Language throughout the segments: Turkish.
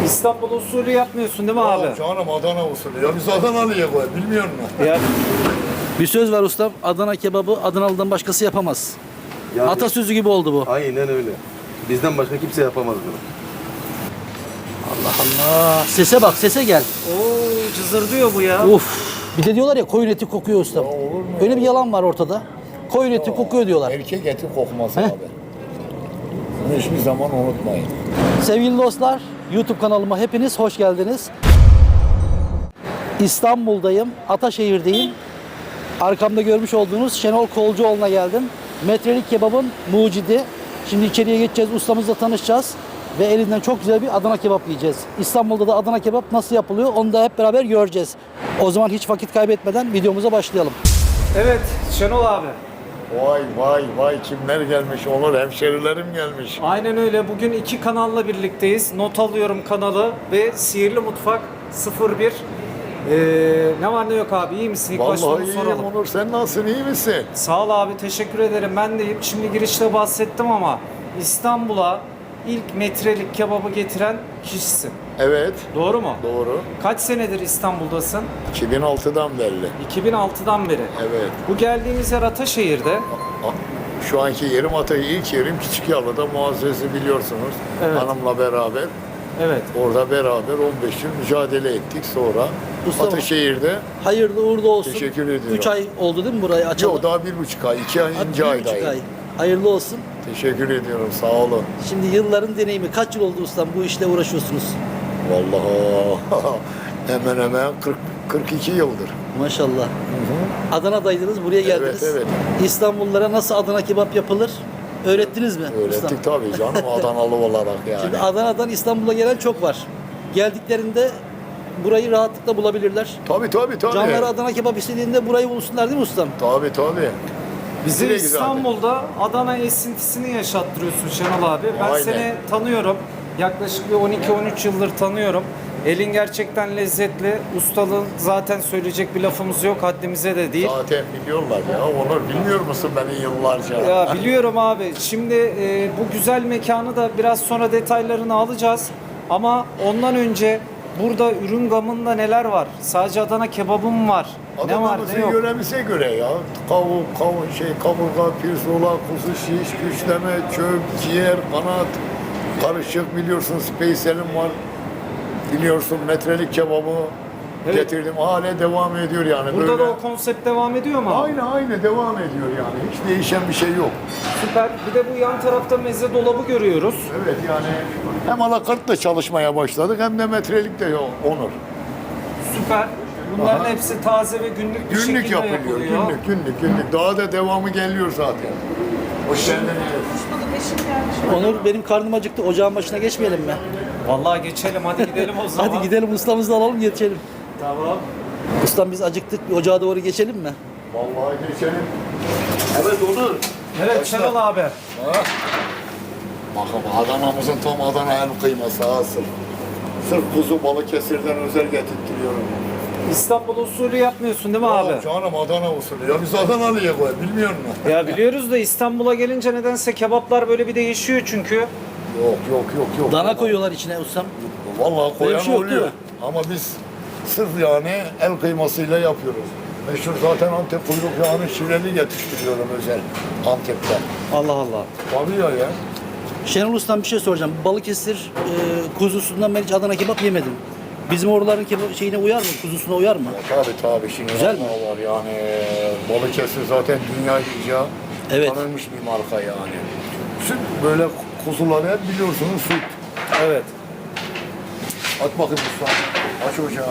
İstanbul usulü yapmıyorsun değil mi abi? Canım Adana usulü. Ya biz Adanalıyız koy. Bilmiyor musun? Ya, Bir söz var ustam. Adana kebabı Adanalı'dan başkası yapamaz. Yani, Atasözü gibi oldu bu. aynen öyle. Bizden başka kimse yapamaz bunu. Allah. Sese bak, sese gel. Oo, cızırdıyor bu ya. Uf. Bir de diyorlar ya koyun eti kokuyor ustam. Öyle bir yalan var ortada. Koyun eti kokuyor diyorlar. Erkek eti kokmaz abi. Bunu hiçbir zaman unutmayın. Sevgili dostlar, YouTube kanalıma hepiniz hoş geldiniz. İstanbul'dayım, Ataşehir'deyim. Arkamda görmüş olduğunuz Şenol Kolcuoğlu'na geldim. Metrelik kebabın mucidi. Şimdi içeriye geçeceğiz, ustamızla tanışacağız. Ve elinden çok güzel bir Adana kebap yiyeceğiz. İstanbul'da da Adana kebap nasıl yapılıyor onu da hep beraber göreceğiz. O zaman hiç vakit kaybetmeden videomuza başlayalım. Evet Şenol abi. Vay kimler gelmiş? Olur hemşerilerim gelmiş. Aynen öyle. Bugün iki kanalla birlikteyiz. Not alıyorum kanalı ve Sihirli Mutfak 01. Ne var ne yok abi, iyi misin? İlk başta onu Vallahi soralım. iyiyim Onur. Sen nasılsın? İyi misin? Sağ ol abi, teşekkür ederim. Ben deyim. Şimdi girişte bahsettim ama İstanbul'a ilk metrelik kebabı getiren kişisin. Evet. Doğru mu? Doğru. Kaç senedir İstanbul'dasın? 2006'dan belli. 2006'dan beri. Evet. Bu geldiğimiz yer Ataşehir'de. Şu anki yerim ilk yerim Küçükyalı'da Muazzez'i biliyorsunuz. Evet. Hanımla beraber. Evet. Orada beraber 15 yıl mücadele ettik. Sonra Mustafa. Ataşehir'de Hayırlı uğurlu olsun. Teşekkür ediyorum. 3 ay oldu değil mi burayı açalım? yok daha 1,5 ay, 2 ayıncı 1,5 aydayım. ay. Hayırlı olsun. Teşekkür ediyorum, sağ olun. Şimdi yılların deneyimi. Kaç yıl oldu ustam bu işle uğraşıyorsunuz? Vallahi hemen 42 yıldır. Maşallah. Adana'daydınız, buraya geldiniz. evet. İstanbullulara nasıl Adana kebap yapılır öğrettiniz mi? ustam? Öğrettik tabii canım Adanalı olarak yani. Şimdi Adana'dan İstanbul'a gelen çok var. Geldiklerinde burayı rahatlıkla bulabilirler. Tabii. Canları Adana kebap istediğinde burayı bulsunlar değil mi ustam? Tabii. Bizi Direkt zaten. İstanbul'da Adana esintisini yaşattırıyorsun Şenol abi. Ben Aynen. seni tanıyorum. Yaklaşık bir 12-13 yıldır tanıyorum. Elin gerçekten lezzetli. Ustalığın zaten söyleyecek bir lafımız yok. Haddimize de değil. Zaten biliyorlar ya. Onur bilmiyor musun beni yıllarca? Ya biliyorum abi. Şimdi bu güzel mekanı da biraz sonra detaylarını alacağız. Ama ondan önce burada ürün gamında neler var? Sadece Adana kebabım var. Ne var ne Adamımızın yok? yöremize göre ya. Kaburga, pirzola, kuzu şiş, güçleme, çöp, ciğer, kanat, karışık biliyorsun. Speyselim var. Biliyorsun metrelik kebabı Evet. getirdim. Hala devam ediyor yani. Burada böyle. da o konsept devam ediyor mu abi? Aynı devam ediyor yani. Hiç değişen bir şey yok. Süper. Bir de bu yan tarafta meze dolabı görüyoruz. Evet yani hem anakartla çalışmaya başladık hem de metrelik de Onur. Süper. Bunların Aha. hepsi taze ve günlük bir Günlük şekilde yapılıyor. yapılıyor. Günlük. Daha da devamı geliyor zaten. Hoş geldiniz. Onur benim karnım acıktı. Ocağın başına geçmeyelim mi? Vallahi geçelim, hadi gidelim o zaman. Hadi gidelim ustamızı alalım geçelim. Tamam. Ustam biz acıktık. Bir ocağa doğru geçelim mi? Vallahi geçelim. Evet Onur. Evet Şenol abi. Bakın Adana'mızın tam Adana el kıyması asıl. Sırf kuzu Balıkesir'den özel getirtiyorum. İstanbul usulü yapmıyorsun değil mi abi? Canım Adana usulü. Ya biz Adanalıyız koy. Bilmiyor musun? Ya biliyoruz da İstanbul'a gelince nedense kebaplar böyle bir değişiyor çünkü. Yok. Dana koyuyorlar içine ustam. Vallahi Öyle koyan bir şey yok, değil oluyor. mi? Ama biz sırf yani el kıymasıyla yapıyoruz. Meşhur zaten Antep kuyruk yağını şireli yetiştiriyorum özel Antep'ten. Allah Allah. Tabii ya. Şenol ustam bir şey soracağım. Balıkesir kuzusundan ben hiç Adana kebap yemedim. Bizim oraların şeyine uyar mı? Kuzusuna uyar mı? Tabii şimdi Güzel mi? var yani Balıkesir zaten dünya iyice Evet. tanınmış bir marka yani. Süt böyle kuzuları hep biliyorsunuz süt. Evet. At bakayım usta. Aç ocağı.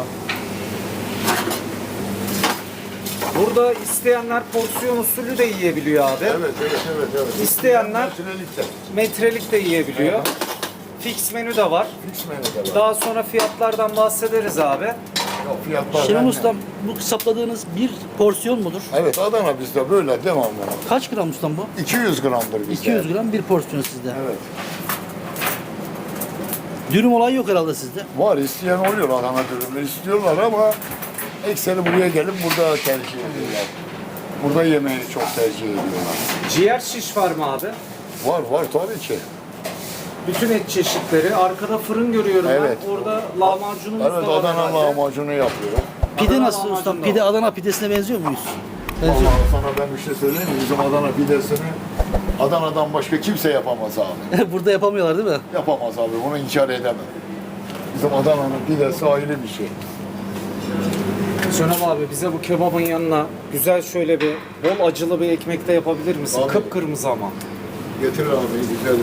Burada isteyenler porsiyon usulü de yiyebiliyor abi. Evet. İsteyenler- Metrelikte. Metrelik de yiyebiliyor. Fix menü de var. Fix menüde var. Daha sonra fiyatlardan bahsederiz abi. Yok fiyatlar Şenol bende. ustam bu sapladığınız bir porsiyon mudur? Evet Adana bizde böyle devamlı. Kaç gram ustam bu? 200 gramdır bizde. 200 gram bir porsiyon sizde. Evet. Dürüm olayı yok herhalde sizde. Var isteyen oluyor Adana dürümü istiyorlar ama ekseri buraya gelip burada tercih ediyorlar. Burada yemeği çok tercih ediyorlar. Ciğer şiş var mı abi? Var tabii ki. Bütün et çeşitleri. Arkada fırın görüyorum Evet. ben. Orada lahmacunumuz Evet, da var Adana herhalde. lahmacunu yapıyorum. Pide Adana nasıl ustam? lahmacun da Pide var. Adana pidesine benziyor muyuz? Benziyor. Vallahi sana ben bir şey söyleyeyim mi? Bizim Adana pidesini Adana'dan başka kimse yapamaz abi. Burada yapamıyorlar değil mi? Yapamaz abi, onu inkar edemem. Bizim Adana'nın pidesi ayrı bir şey. Cenab abi bize bu kebabın yanına güzel şöyle bir bol acılı bir ekmek de yapabilir misin? Abi. Kıpkırmızı ama. Getir abi, güzel.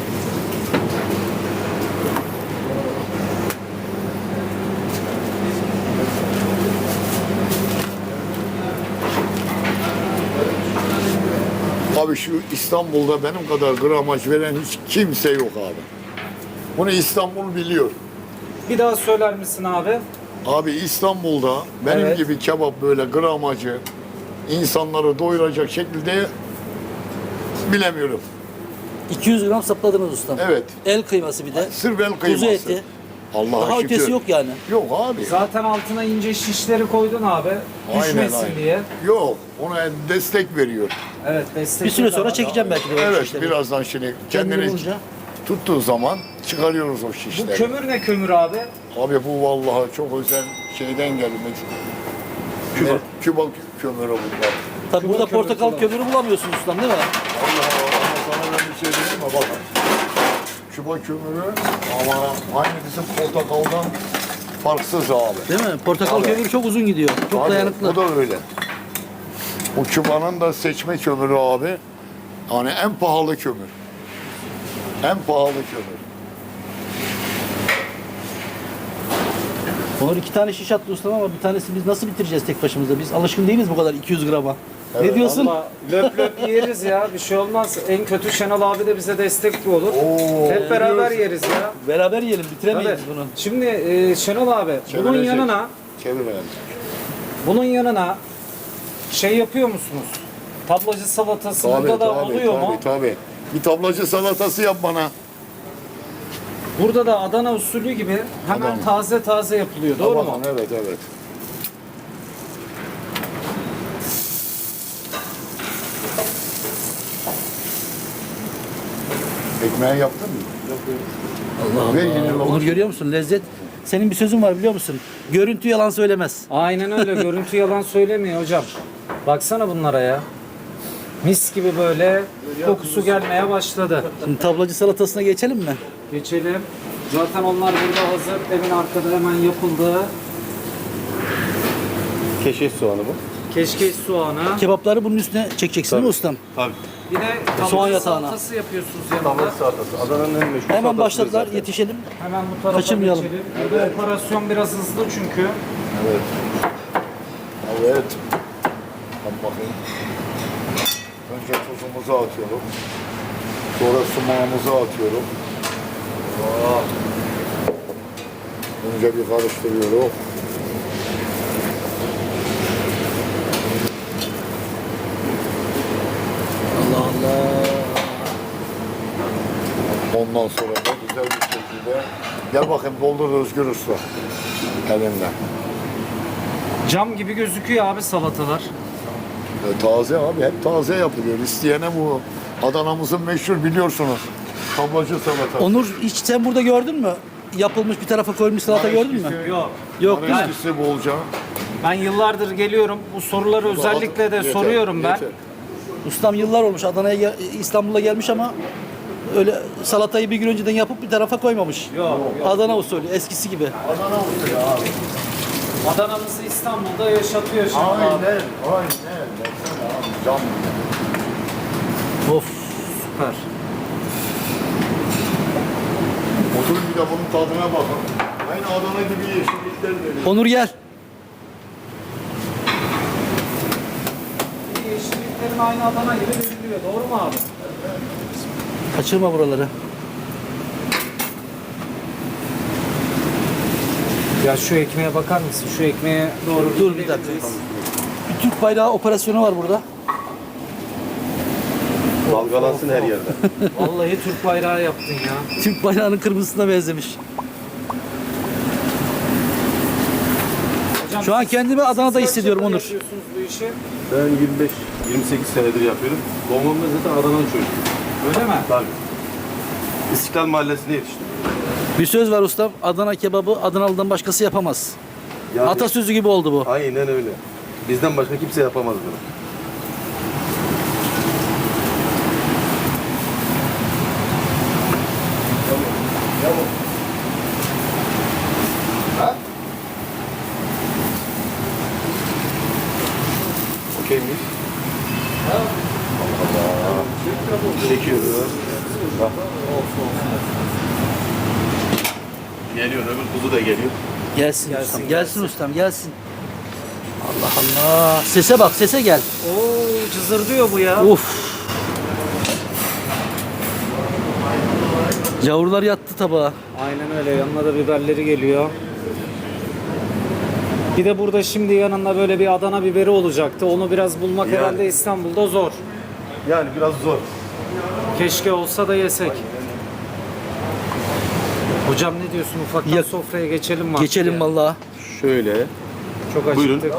Abi şu İstanbul'da benim kadar gramaj veren hiç kimse yok abi. Bunu İstanbul biliyor. Bir daha söyler misin abi? Abi İstanbul'da benim Evet. gibi kebap böyle gramajı insanları doyuracak şekilde bilemiyorum. 200 gram sapladınız ustam. Evet. El kıyması bir de. Sırf el kıyması. Kuzu eti. Allah'a Daha şükür. ötesi yok yani. Yok abi. Zaten altına ince şişleri koydun abi. Düşmesin diye. Yok, ona destek veriyor. Evet destek. Bir süre sonra çekeceğim belki de. o Evet, şişleri. birazdan şimdi Kendini kendini bulunca. tuttuğu zaman çıkarıyoruz o Bu şişleri. kömür ne kömür abi? Abi bu vallahi çok özel şeyden gelmek. Küba kömürü bunlar. Tabii Küba burada kömürü portakal falan. kömürü bulamıyorsunuz ustam değil mi? Allah ama sana ben bir şey diyeyim mi? Bakın. Küba kömürü ama aynı bizim portakaldan farksız abi. Değil mi? Portakal Tabii. kömürü çok uzun gidiyor. Çok Abi, dayanıklı. bu da öyle. Bu Küba'nın da seçme kömürü abi. Yani en pahalı kömür. En pahalı kömür. Onur 2 tane şiş attı ustam ama bir tanesi biz nasıl bitireceğiz tek başımıza? Biz alışkın değiliz bu kadar 200 grama. Evet, Ne diyorsun? Valla löp löp yeriz ya. Bir şey olmaz. En kötü Şenol abi de bize destek olur. Oo, Hep beraber biliyorsun. yeriz ya. Beraber yiyelim, Tabii. bitiremeyiz bunu. Şimdi Şenol abi bunun Çevirecek. yanına şey yapıyor musunuz? Tablacı salatası burada da oluyor mu? Tabii. Bir tablacı salatası yap bana. Burada da Adana usulü gibi hemen Adana. taze taze yapılıyor. Doğru mu? Bakın, evet, evet. Ekmeği yaptın mı? Allah Ve yeni Allah. lavaş. Onur görüyor musun? Lezzet. Senin bir sözün var biliyor musun? Görüntü yalan söylemez. Aynen öyle. Görüntü yalan söylemiyor hocam. Baksana bunlara ya. Mis gibi böyle kokusu gelmeye başladı. Şimdi tablacı salatasına geçelim mi? Geçelim. Zaten onlar burada hazır. Evin arkada hemen yapıldı. Keşkeş soğanı bu. Keşkeş soğanı. Kebapları bunun üstüne çekeceksin değil mi ustam? Tabii. Bir de Soğan tavuk yatağına. salatası yapıyorsunuz Tavuk yanında. salatası. Adana'nın en meşhur Hemen salatası başladılar, zaten. yetişelim. Hemen bu tarafa Kaçırmayalım. geçelim. Burada operasyon biraz hızlı çünkü. Evet. Evet. Bak bakayım. Önce tuzumuzu atıyorum. Sonra sumağımızı atıyorum. Aa. Önce bir karıştırıyorum. Allah Allah. Ondan sonra da güzel bir şekilde gel bakayım doldur Özgür Usta elinden. Cam gibi gözüküyor abi salatalar. Taze abi, hep taze yapılıyor. İsteyene bu Adana'mızın meşhur biliyorsunuz. Tablacı salata. Onur hiç sen burada gördün mü? Yapılmış bir tarafa koymuş salata gördün mü? Yok. Yok değil mi? Eskisi bolca. Ben yıllardır geliyorum. Bu soruları özellikle de Yeter, soruyorum ben. yeter. Ustam yıllar olmuş Adana'ya İstanbul'a gelmiş ama öyle salatayı bir gün önceden yapıp bir tarafa koymamış. Yok. Adana usulü eskisi gibi. Adana usulü abi. Adana'mızı İstanbul'da yaşatıyor şimdi abi. Aynen. Baksana abi, cam gibi. Of. Süper. Oturun bir de bunun tadına bakın. Aynı Adana gibi yeşillikler veriyor. Onur gel. Yeşilliklerin aynı Adana gibi veriliyor. Doğru mu abi? Kaçırma buraları. Ya şu ekmeğe bakar mısın? Şu ekmeğe doğru Dur bir dakika. Bir Türk bayrağı operasyonu var burada. Dalgalansın her yerde. Vallahi Türk bayrağı yaptın ya. Türk bayrağının kırmızısına benzemiş. Hocam, Şu an siz- kendimi Adana'da siz kaç hissediyorum yıldır Onur. yapıyorsunuz bu işi? Ben 25-28 senedir yapıyorum. Babam da zaten Adana'nın çocuğu. Öyle mi? Tabii. İstiklal Mahallesi'nde yetiştim. Bir söz var ustam. Adana kebabı Adanalı'dan başkası yapamaz. Yani- Atasözü gibi oldu bu. Aynen öyle. Bizden başka kimse yapamaz bunu. Okey miyiz? Çekiyoruz. Bak. Geliyor, öbür kuzu da geliyor. Gelsin, Gelsin, ustam. gelsin. Gelsin ustam. Gelsin. Allah Allah. Sese bak. Sese gel. Oo, cızırdıyor bu ya. Uf. Yavrular yattı tabağa. Aynen öyle. Yanına da biberleri geliyor. Bir de burada şimdi yanında böyle bir Adana biberi olacaktı. Onu biraz bulmak Yani. herhalde İstanbul'da zor. Yani biraz zor. Keşke olsa da yesek. Hocam ne diyorsun? Ufaktan Ya- sofraya geçelim mi? Geçelim Ya? vallahi. Şöyle. Çok Buyurun. acıktık.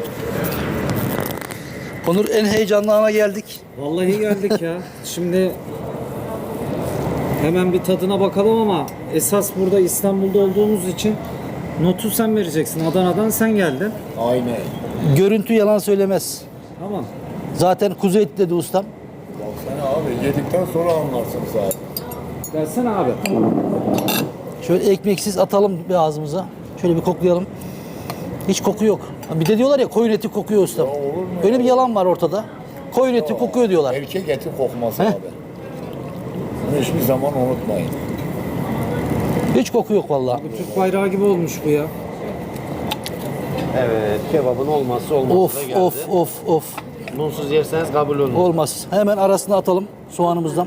Onur, en heyecanlı ana geldik. Vallahi geldik ya. Şimdi hemen bir tadına bakalım ama esas burada İstanbul'da olduğumuz için notu sen vereceksin. Adana'dan sen geldin. Aynen. Görüntü yalan söylemez. Tamam. Zaten kuzu eti dedi ustam. Baksana abi yedikten sonra anlarsın zaten. Gelsene abi. Şöyle ekmeksiz atalım bir ağzımıza. Şöyle bir koklayalım. Hiç koku yok. Bir de diyorlar ya koyun eti kokuyor ustam. olur mu Öyle bir yalan var ortada. Koyun eti kokuyor diyorlar. Erkek eti kokması Heh. abi. Bunu hiçbir zaman unutmayın. Hiç koku yok vallahi. Türk bayrağı gibi olmuş bu ya. Evet, kebabın olmazsa olmazı Of da geldi. of of. Bunsuz yerseniz kabul olmaz. Olmaz. Hemen arasına atalım soğanımızdan.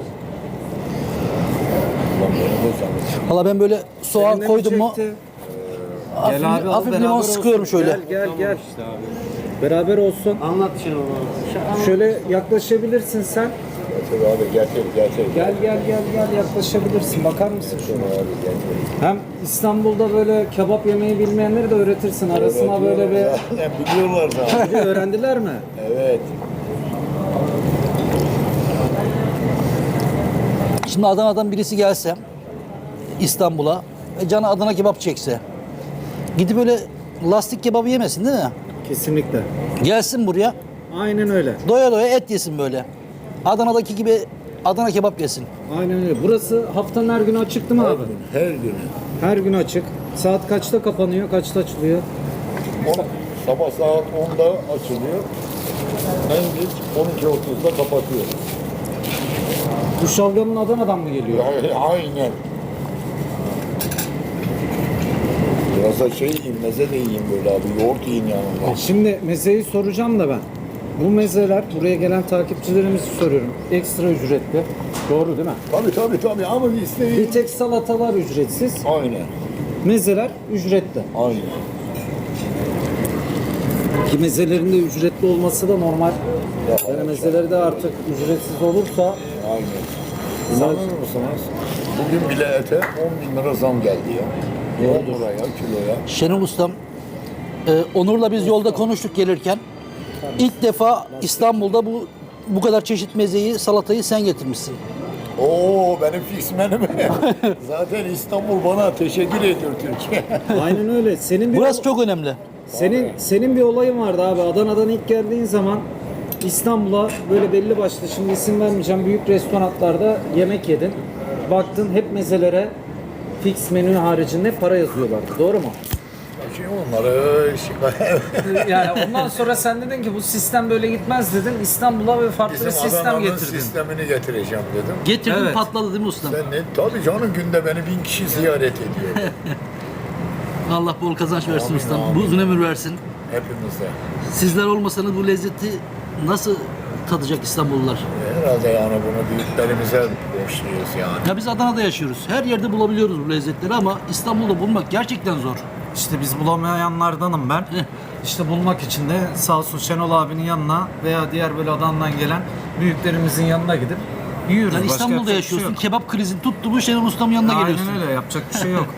Ulan beni de sanırsın. Valla ben böyle soğan Seninle mi koydum mu çekti? hafif, Gel abi, al, hafif beraber limon olsun. sıkıyorum şöyle. Gel. Beraber olsun. Anlat şimdi onu. Şöyle yaklaşabilirsin sen. Getir abi getir. Gel yaklaşabilirsin. Bakar mısın şuna? Abi getir. Hem İstanbul'da böyle kebap yemeyi bilmeyenleri de öğretirsin. Arasına böyle bir Zaten biliyorlar da. Bir öğrendiler mi? Evet. Şimdi Adana'dan birisi gelse İstanbul'a ve canı Adana kebap çekse gidip böyle lastik kebabı yemesin değil mi? Kesinlikle. Gelsin buraya Aynen öyle. doya doya et yesin böyle. Adana'daki gibi Adana kebap yesin. Aynen öyle. Burası haftanın her günü açık değil mi abi? Her gün. Her gün açık. Saat kaçta kapanıyor, kaçta açılıyor? Sabah saat 10'da açılıyor. En geç 12.30'da kapatıyor. Bu şalgamın Adana'dan mı geliyor? Aynen. Biraz da şey yiyeyim, meze de yiyeyim böyle abi. Yoğurt yiyin yanında. Şimdi mezeyi soracağım da ben. Bu mezeler, buraya gelen takipçilerimizi soruyorum. Ekstra ücretli. Doğru değil mi? Tabii ama Bir isteyin. tek salatalar ücretsiz. Aynen. Mezeler ücretli. Aynen. Ki mezelerin de ücretli olması da normal. Ya, Yani mezeleri de artık ücretsiz olursa Aynen. İnanır mısınız? Bugün bile ete 10.000 lira zam geldi ya. 10 liraya, kiloya. Şenol Ustam, Onur'la biz yolda konuştuk gelirken. İlk defa İstanbul'da bu kadar çeşit mezeyi, salatayı sen getirmişsin. Oo benim fixmenim. Zaten İstanbul bana teşekkür ediyor Türkiye. aynen öyle. Burası çok önemli. Senin bir olayın vardı abi. Adana'dan ilk geldiğin zaman İstanbul'a böyle belli başlı, şimdi isim vermeyeceğim, büyük restoranlarda yemek yedin. Baktın hep mezelere fix menü haricinde para yazıyorlardı. Doğru mu? Şey onları şikayet. Yani ondan sonra sen dedin ki bu sistem böyle gitmez dedin. İstanbul'a ve farklı bir Bizim sistem Adana'nın getirdin. sistemini getireceğim dedim. Getirdin Evet. patladı değil mi ustam? Sen ne? Tabii canım günde beni 1000 kişi ziyaret ediyor. Allah bol kazanç versin Amin, ustam. amin. Uzun ömür versin. Hepimize. Sizler olmasanız bu lezzeti nasıl tadacak İstanbullular? Herhalde yani bunu büyüklerimize borçluyuz yani. Ya biz Adana'da yaşıyoruz. Her yerde bulabiliyoruz bu lezzetleri ama İstanbul'da bulmak gerçekten zor. İşte biz bulamayanlardanım ben. İşte bulmak için de sağ olsun Şenol abinin yanına veya diğer böyle Adana'dan gelen büyüklerimizin yanına gidip yiyoruz. Yani Başka İstanbul'da yapacak bir şey yaşıyorsun. yok. Kebap krizin tuttu bu Şenol Ustam'ın yanına geliyorsun. Aynen öyle, yapacak bir şey yok.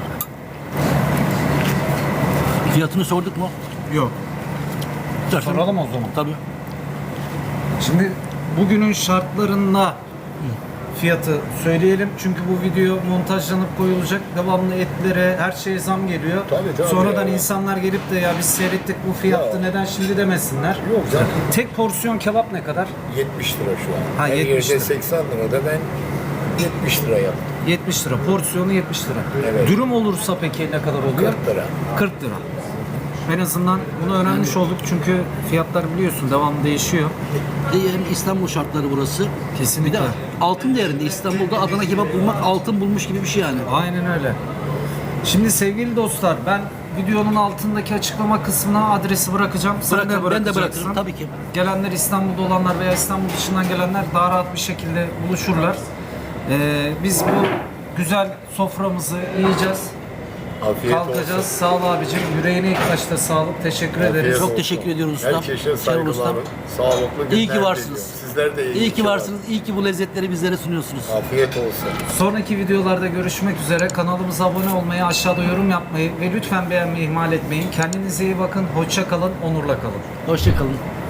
Fiyatını sorduk mu? Yok. Soralım o zaman. Tabii. Şimdi bugünün şartlarında fiyatı söyleyelim. Çünkü bu video montajlanıp koyulacak. Devamlı etlere, her şeye zam geliyor. Tabii, Sonradan ya. insanlar gelip de ya biz seyrettik bu fiyattı Ya. neden şimdi demesinler. Yok canım. Tek porsiyon kebap ne kadar? 70 lira şu an. Ha, Her 70 yerde lira. 80 lira da ben 70 lira yaptım. 70 lira. Porsiyonu 70 lira. Evet. Dürüm olursa peki ne kadar oluyor? 40 lira. 40 lira. En azından bunu öğrenmiş olduk çünkü fiyatlar biliyorsun devamlı değişiyor. Hem İstanbul şartları burası. Kesinlikle. Bir de altın değerinde. İstanbul'da Adana kebap bulmak altın bulmuş gibi bir şey yani. Aynen öyle. Şimdi sevgili dostlar ben videonun altındaki açıklama kısmına adresi bırakacağım. Sen de Ben de bırakacaksın. bırakırım tabii ki. Gelenler İstanbul'da olanlar veya İstanbul dışından gelenler daha rahat bir şekilde buluşurlar. Biz bu güzel soframızı yiyeceğiz. Afiyet Kalkacağız. olsun. Sağ ol abicim. Yüreğine ilk başta sağlık. Teşekkür Afiyet ederiz. Çok olsun. teşekkür ediyoruz ustam. Herkese Şenol saygılar. ustam. Sağlıklı günler İyi ki varsınız. diliyorum. Sizler de İyi ki varsınız. İyi ki bu lezzetleri bizlere sunuyorsunuz. Afiyet olsun. Sonraki videolarda görüşmek üzere. Kanalımıza abone olmayı, aşağıda yorum yapmayı ve lütfen beğenmeyi ihmal etmeyin. Kendinize iyi bakın. Hoşça kalın. Onurla kalın. Hoşça kalın.